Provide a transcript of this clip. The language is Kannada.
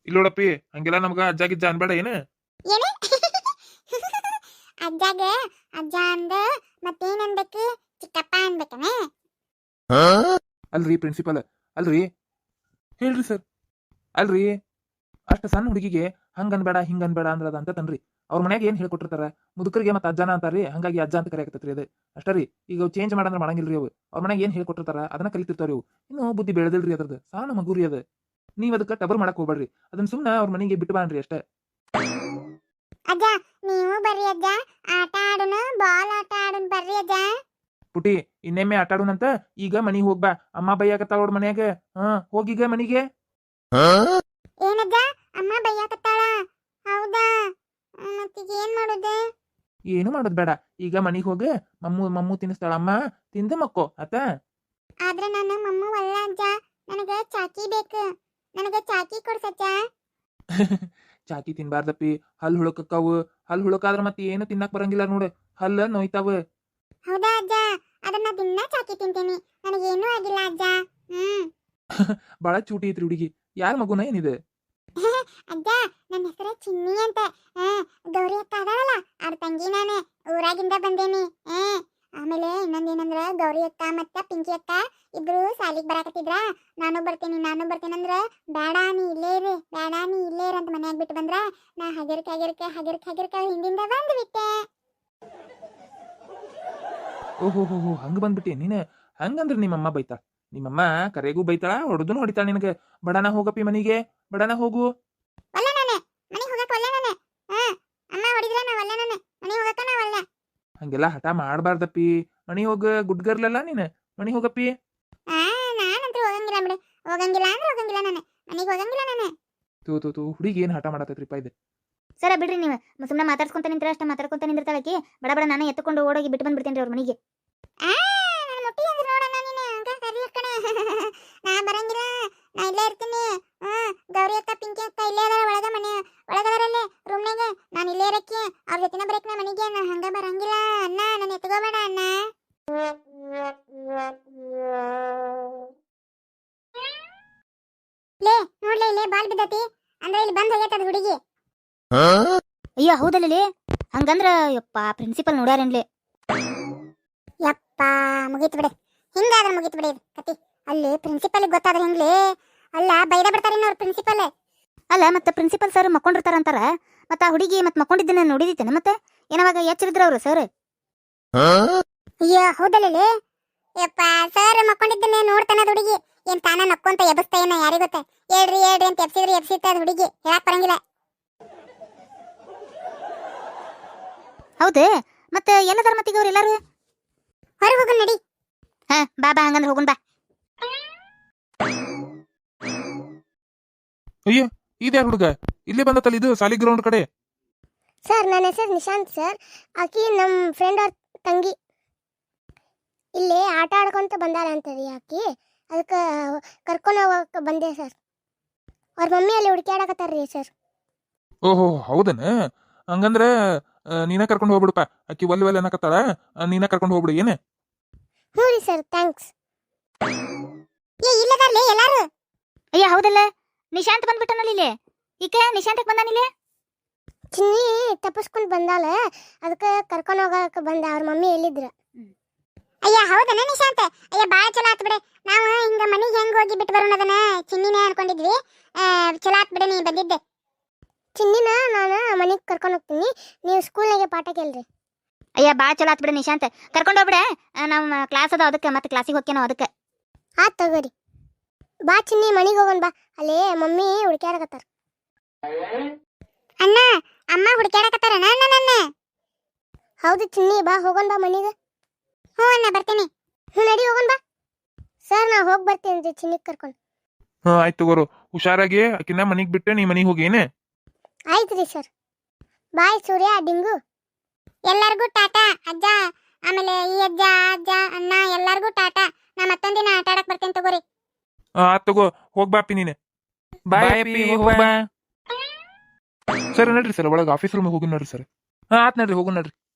ಇಲ್ಲೋಡಪ್ಪಿ ಹಂಗೆಲ್ಲ ನಮ್ಗ ಅಜ್ಜ ಗಿಜ್ಜ ಅನ್ಬೇಡ ಏನು. ಏನು ಅಜ್ಜಾಗ ಅಜ್ಜ ಅಂದ ಮತ್ತೇನ್ ಅನ್ಬೇಕು, ಚಿಕ್ಕಪ್ಪ ಅನ್ಬೇಕನೆ? ಅಲ್ರಿ ಪ್ರಿನ್ಸಿಪಲ್, ಅಲ್ರಿ ಹೇಳ್ರಿ ಸರ್, ಅಲ್ರಿ ಅಷ್ಟ ಸಣ್ಣ ಹುಡುಗಿಗೆ ಹಂಗ ಅನ್ಬೇಡ ಹಿಂಗ ಅನ್ಬೇಡ ಅಂದ್ರ ಅಂತ ತನ್ರಿ. ಅವ್ರ ಮನ್ಯಾಗ ಏನ್ ಹೇಳ್ಕೊಟ್ಟಿರ್ತಾರ, ಮುದುಕರಿಗೆ ಮತ್ತೆ ಅಜ್ಜನ ಅಂತಾರ್ರಿ, ಹಂಗಾಗಿ ಅಜ್ಜ ಅಂತ ಕರೆಯಕತ್ರಿ. ಅದು ಅಷ್ಟರಿ. ಈಗ ಚೇಂಜ್ ಮಾಡಂದ್ರ ಮಾಡಂಗಿಲ್ರಿ ಅವು. ಅವ್ರ ಮನ್ಯಾಗ ಏನ್ ಹೇಳ್ಕೊಟ್ಟಿರ್ತಾರ ಅದನ್ನ ಕಲಿತಿರ್ತಾವ್ರಿ ಅವು. ಇನ್ನು ಬುದ್ಧಿ ಬೆಳೆದಿಲ್ರಿ ಅದ್ರದ್ದು, ಸಣ್ಣ ಮಗುರಿ ಅದ. ನೀವ್ ಅದಕ್ಕೆ ಟಬರ್ ಮಾಡಕ್ ಹೋಗ್ಬೇಡ್ರಿ, ಅದನ್ನ ಸುಮ್ನ ಅವ್ರ ಮನೆಗೆ ಬಿಟ್ಟು ಬಾಣ್ರಿ ಅಷ್ಟೇ. ಅಜ್ಜ ನೀವು ಬರ್ರಿ ಅಜ್ಜ, ಆಟ ಆಡೋಣ, ಬಾಲ್ ಆಟ ಆಡೋಣ ಬರ್ರಿ ಅಜ್ಜ. ಪುಟಿ ಇನ್ನೆಮ್ಮೆ ಆಟ ಆಡೋಣಂತ, ಈಗ ಮನಿಗ್ ಹೋಗ್ಬಾ. ಅಮ್ಮ ಬೈಯಾಕತ್ತಾಳ ಅವ್ರ ಮನ್ಯಾಗ. ಹೋಗೀಗ ಮನಿಗೆ. ಏನಜ್ಜ ಅಮ್ಮ ಬೈಯಾಕತ್ತಾಳ? ಹೌದಾ, ಮತ್ತೀಗ ಏನ್ ಮಾಡೋದು? ಏನು ಮಾಡೋದ್ ಬೇಡ, ಈಗ ಮನಿಗ್ ಹೋಗ. ಮಮ್ಮು ತಿನ್ನಿಸ್ತಾಳ ಅಮ್ಮ, ತಿಂದ ಮಕ್ಕೋ ಆತ. ಆದ್ರೆ ನಾನು ಮಮ್ಮು ಅಲ್ಲ ಅಜ್ಜ, ನನಗ ಚಾಕಿ ಬೇಕು, ನನಗ ಚಾಕಿ ಕೊಡ್ಸಜ್ಜ. ಚಾಕಿ ತಿನ್ಬಾರ್ದಪ್ಪಿ, ಹಲ್ ಹುಳಕಕ್ಕಾವು. ಹಲ್ ಹುಳಕಾದ್ರ ಮತ್ತೆ ಏನು ತಿನ್ನಕ್ ಬರಂಗಿಲ್ಲ ನೋಡು, ಹಲ್ಲ ನೋಯ್ತಾವ. ಹೌದಾ ಅಜ್ಜ, ಅದನ್ನ ದಿನ ಚಾಕಿ ತಿಂತೀನಿ, ನನಗೇನೂ ಆಗಿಲ್ಲ ಅಜ್ಜ. ಬಾಳ ಚೂಟಿ ಐತ್ರಿ ಹುಡುಗಿ. ಯಾರ ಮಗುನ ಏನಿದೆ? ಅಜ್ಜ ನನ್ನ ಹೆಸರು ಚಿನ್ನಿ ಅಂತ. ಗೌರಿ ಅಕ್ಕ ಅದಾಳಲ್ಲ, ಅವ್ರ ತಂಗಿ ನಾನು, ಊರಾಗಿಂದ ಬಂದೇನಿ. ಆಮೇಲೆ ಇನ್ನೊಂದೇನಂದ್ರ, ಗೌರಿ ಅಕ್ಕ ಮತ್ತ ಪಿಂಕಿ ಅಕ್ಕ ಇಬ್ರು ಸಾಲಿಗೆ ಬರಾಕತ್ತಿದ್ರ. ನಾನು ಬರ್ತೀನಿ ಅಂದ್ರ, ಬೇಡ ನೀ ಇಲ್ಲೇ ಇರು, ಬೇಡ ನೀ ಇಲ್ಲೇ ಇರು ಅಂತ ಮನ್ಯಾಗ ಬಿಟ್ಟು ಬಂದ್ರ. ನಾ ಹಗರ್ಕ ಹಿಂದಿಂದ ಬಂದ್ಬಿಟ್ಟೆ. ಓಹೋ ಹಂಗ ಬಂದ್ಬಿಟ್ಟಿ ನೀನು. ಹಂಗಂದ್ರ ನಿಮ್ಮಮ್ಮ ಬೈತಾಳ. ನಿಮ್ಮಮ್ಮ ಕರೆಗೂ ಬೈತಾಳ, ಹೊಡೆದನು ಹೊಡಿತಾಳ ನಿನಗೆ. ಬಡಾನ ಹೋಗಪ್ಪಿ ಮನಿಗೆ, ಬಡಾನ ಹೋಗು. ಒಲ್ಲೆ ನಾನು ಮನೆಗೆ ಹೋಗಕ್ಕೆ ಒಲ್ಲೆ ನಾನು. ಅಮ್ಮ ಹೊಡಿದ್ರೆ ನಾ ಒಲ್ಲೆ ನಾನು ಮನೆಗೆ ಹೋಗಕ್ಕೆ ನಾ ಒಲ್ಲೆ. ಹಂಗೆಲ್ಲ ಹಠ ಮಾಡ್ಬಾರ್ದಪ್ಪಿ. ಮನಿ ಹೋಗ, ಗುಡ್ಗರ್ಲಲ್ಲ ನೀನು. ಮನಿ ಹೋಗಪ್ಪಿ. ನಾನಂತೂ ಹೋಗಂಗಿಲ್ಲ ಬಿಡು, ಹೋಗಂಗಿಲ್ಲ ಅಂದ್ರೆ ಹೋಗಂಗಿಲ್ಲ ನಾನು, ಮನೆಗೆ ಹೋಗಂಗಿಲ್ಲ ನಾನು. ತೂ ಹುಡುಗಿ ಏನ್ ಹಠ ಮಾಡತ್ತೈತ್ರಿಪ್ಪ ಇದು. ಸರ ಬಿಡ್ರಿ, ನೀವು ಸುಮ್ಮನೆ ಮಾತಾಡ್ಸ್ಕೊಂತ ನಿಂತರ ಅಷ್ಟ ಮಾತಾಡ್ಕೊಂತ ನಿಂದಿರ್ತಾಳಕಿ. ಬಡ ನಾನು ಎತ್ತುಕೊಂಡು ಓಡೋಗಿ ಬಿಟ್ಟು ಬಂದ್ಬಿಡ್ತೇನೆ ಅವ್ರ ಮನೆಗೆ. ನಾನು ಮುಟ್ಟಿ ಅಂದ್ರೆ ನೋಡೋಣ ನೀನು, ಹಂಗ ಕರಿಯಕ್ಕಣೆ. ನಾ ಬರಂಗಿಲ್ಲ, ನಾ ಇಲ್ಲೇ ಇರ್ತೀನಿ. ಗೌರಿ ಅಕ್ಕ ಪಿಂಕಿ ಅಕ್ಕ ಇಲ್ಲೇ ಅದಾರ ಒಳಗದಾರಲ್ಲೇ ರೂಮ್ನಾಗ. ನಾನು ಇಲ್ಲೇ ಇರಕ್ಕೆ, ಅವ್ರ ಜೊತೆನ ಬರಕ್ ನಾ ಮನೆಗೆ. ನಾ ಹಂಗ ಬರಂಗಿಲ್ಲ ಅಣ್ಣ, ನಾನು ಎತ್ಕೋಬೇಡ ಅಣ್ಣ. ಲೇ ನೋಡ್ಲೇ, ಇಲ್ಲೇ ಬಾಲ್ ಬಿದ್ದತಿ ಅಂದ್ರೆ ಇಲ್ಲಿ ಬಂದ್ ಹೋಗೈತದ ಹುಡುಗಿ. ಅಯ್ಯೋ ಹೌದಲ್ಲೇ, ಹಂಗಂದ್ರ ಯಪ್ಪ ಪ್ರಿನ್ಸಿಪಲ್ ನೋಡ್ಯಾರೇನ್ಲಿ. ಯಪ್ಪ ಮುಗೀತು ಬಿಡಿ, ಹಿಂಗಾದ್ರೆ ಮುಗೀತು ಬಿಡಿ ಕತಿ. ಅಲ್ಲಿ ಪ್ರಿನ್ಸಿಪಲ್ ಗೊತ್ತಾದ್ರೆ ಹೆಂಗ್ಲಿ? ಅಲ್ಲ ಬೈದ ಬಿಡ್ತಾರೆ ಅವ್ರ ಪ್ರಿನ್ಸಿಪಲ್. ಅಲ್ಲ ಮತ್ತೆ ಪ್ರಿನ್ಸಿಪಲ್ ಸರ್ ಮಕ್ಕೊಂಡಿರ್ತಾರಂತಾರ, ಮತ್ತ ಆ ಹುಡುಗಿ ಮತ್ ಮಕ್ಕೊಂಡಿದ್ದನ್ನ ನೋಡಿದಿತ್ತೇನ? ಮತ್ತೆ ಏನವಾಗ ಎಚ್ಚರಿದ್ರ ಅವ್ರು ಸರ್? ಅಯ್ಯೋ ಹೌದಲ್ಲೇ, ಯಪ್ಪ ಸರ್ ಮಕ್ಕೊಂಡಿದ್ದನ್ನೇ ನೋಡ್ತಾನ ಹುಡುಗಿ. ಏನ್ ತಾನ ನಕ್ಕೊಂತ ಎಬಸ್ತಾ ಏನ ಯಾರಿಗ ಗೊತ್ತ? ಹೇಳ್ರಿ ಅಂತ ಎಬ್ಸಿತ್ತ ಅದ್ ಹುಡುಗಿ, ಹೇಳಕ್ ಬರಂಗಿಲ್ಲ. ಹೌದು, ಮತ್ತೆ ಎಲ್ಲದಾರ ಮತ್ತೀಗ ಅವ್ರು ಎಲ್ಲಾರು? ಹೊರಗೆ ಹೋಗೋಣ ನಡಿ. ಬಾ ಹಂಗಂದ್ರೆ ಹೋಗುನ್ ಬಾ. ಅಯ್ಯ ಇದ್ಯಾರ ಹುಡುಗ ಇಲ್ಲೇ ಬಂದತ್ತಲ್ಲ, ಇದು ಸಾಲಿ ಗ್ರೌಂಡ್ ಕಡೆ. ಸರ್ ನನ್ನ ಹೆಸರು ನಿಶಾಂತ್ ಸರ್, ಆಕಿ ನಮ್ಮ ಫ್ರೆಂಡ್ ಅವ್ರ ತಂಗಿ. ಇಲ್ಲಿ ಆಟ ಆಡ್ಕೊಂತ ಬಂದಾರ ಅಂತರಿ ಆಕಿ, ಅದಕ್ಕೆ ಕರ್ಕೊಂಡು ಹೋಗಕ್ಕೆ ಬಂದೆ ಸರ್. ಅವ್ರ ಮಮ್ಮಿ ಅಲ್ಲಿ ಹುಡುಕ್ಯಾಡಕತ್ತಾರ್ರಿ ಸರ್. ಓಹೋ ಹೌದನ? ಹಂಗಂದ್ರ ನೀನ ಕರ್ಕೊಂಡು ಹೋಗ್ಬಿಡಪ್ಪ. ಅಕ್ಕಿ ಒಲ್ಲೆ ಅನ್ನಕತ್ತಾಳ, ನೀನ ಕರ್ಕೊಂಡು ಹೋಗ್ಬಿಡು. ಏನ? ಹ್ಞೂ ರೀ ಸರ್, ಥ್ಯಾಂಕ್ಸ್. ಇಲ್ಲದಾರ್ಲಿ ಎಲ್ಲಾರು? ಅಯ್ಯ ಹೌದಲ್ಲ, ನಿಶಾಂತ್ ಬಂದ್ಬಿಟ್ಟನಲ್ಲಿ ಇಲ್ಲಿ. ಈಕೆ ನಿಶಾಂತಕ್ಕೆ ಬಂದಾನಿಲ್ಲಿ. ಚಿನ್ನಿ ತಪ್ಪಿಸ್ಕೊಂಡು ಬಂದಾಳ, ಅದಕ್ಕೆ ಕರ್ಕೊಂಡು ಹೋಗಕ್ಕೆ ಬಂದ. ಅವ್ರ ಮಮ್ಮಿ ಎಲ್ಲಿದ್ರ? ಅಯ್ಯ ಹೌದನ ನಿಶಾಂತ್? ಅಯ್ಯ ಭಾಳ ಚಲೋ ಆತ್ ಬಿಡೆ. ನಾವು ಹಿಂಗ ಮನೆಗೆ ಹೆಂಗ್ ಹೋಗಿ ಬಿಟ್ಟು ಬರೋಣ ಅದನ್ನ ಚಿನ್ನಿನೇ ಅನ್ಕೊಂಡಿದ್ವಿ. ಚಲೋ ಆತ್ ಬಿಡೆ ನೀ ಬಂದಿದ್ದೆ. ಚಿನ್ನಿನ ನಾನು ಮನೆಗೆ ಕರ್ಕೊಂಡು ಹೋಗ್ತೀನಿ, ನೀವು ಸ್ಕೂಲ್ನಾಗೆ ಪಾಠ ಕೇಳ್ರಿ. ಅಯ್ಯ ಭಾಳ ಚಲೋ ಆತ್ ಬಿಡ ನಿಶಾಂತ್, ಕರ್ಕೊಂಡು ಹೋಗ್ಬಿಡ. ನಮ್ಮ ಕ್ಲಾಸ್ ಅದ, ಅದಕ್ಕೆ ಮತ್ತೆ ಕ್ಲಾಸಿಗೆ ಹೋಗ್ಯಾನೋ ಅದಕ್ಕೆ. ಆತ್ ತಗೋರಿ. ಬಾ ಚಿನ್ನಿ ಮನೆಗೆ ಹೋಗೋಣ ಬಾ, ಅಲ್ಲಿ ಮಮ್ಮಿ ಹುಡುಕ್ಯಾಡಕತ್ತಾರ. ಅಣ್ಣ ಅಮ್ಮ ಹುಡುಕ್ಯಾಡಕತ್ತಾರ ನನ್ನ. ಹೌದು ಚಿನ್ನಿ, ಬಾ ಹೋಗೋಣ ಬಾ ಮನೆಗೆ. ಹ್ಞೂ ಅಣ್ಣ ಬರ್ತೀನಿ. ಹ್ಞೂ ನಡಿ ಹೋಗೋಣ ಬಾ. ಸರ್ ನಾ ಹೋಗಿ ಬರ್ತೀನಿ ಚಿನ್ನಿಗೆ ಕರ್ಕೊಂಡು. ಆಯ್ತು ತಗೋರು, ಹುಷಾರಾಗಿ ಆಕಿನ ಮನಿಗ್ ಬಿಟ್ಟೆ ನೀ ಮನಿಗೆ ಹೋಗಿ. ಏನೇ? ಆಯ್ತು ರೀ ಸರ್. ಬಾಯ್ ಸೂರ್ಯ, ಡಿಂಗು. ಎಲ್ಲರಿಗೂ ಟಾಟಾ ಅಜ್ಜ, ಆಮೇಲೆ ಈ ಅಜ್ಜ ಅಣ್ಣ ಎಲ್ಲರಿಗೂ ಟಾಟಾ. ನಾ ಮತ್ತೊಂದಿನ ಆಟ ಆಡಕ್ ಬರ್ತೇನೆ ತಗೋರಿ. ಆತ್ ತಗೋ, ಹೋಗ್ಬಾಪಿ ನೀನೆ. ಬಾಯ್ ಅಪ್ಪಿ, ಹೋಗ್ಬಾ. ಸರ್ ನಡ್ರಿ ಸರ್, ಒಳಗೆ ಆಫೀಸ್ ರೂಮಿಗೆ ಹೋಗಿ ನೋಡ್ರಿ ಸರ್. ಆತ್ ನಡ್ರಿ, ಹೋಗು ನಡ್ರಿ.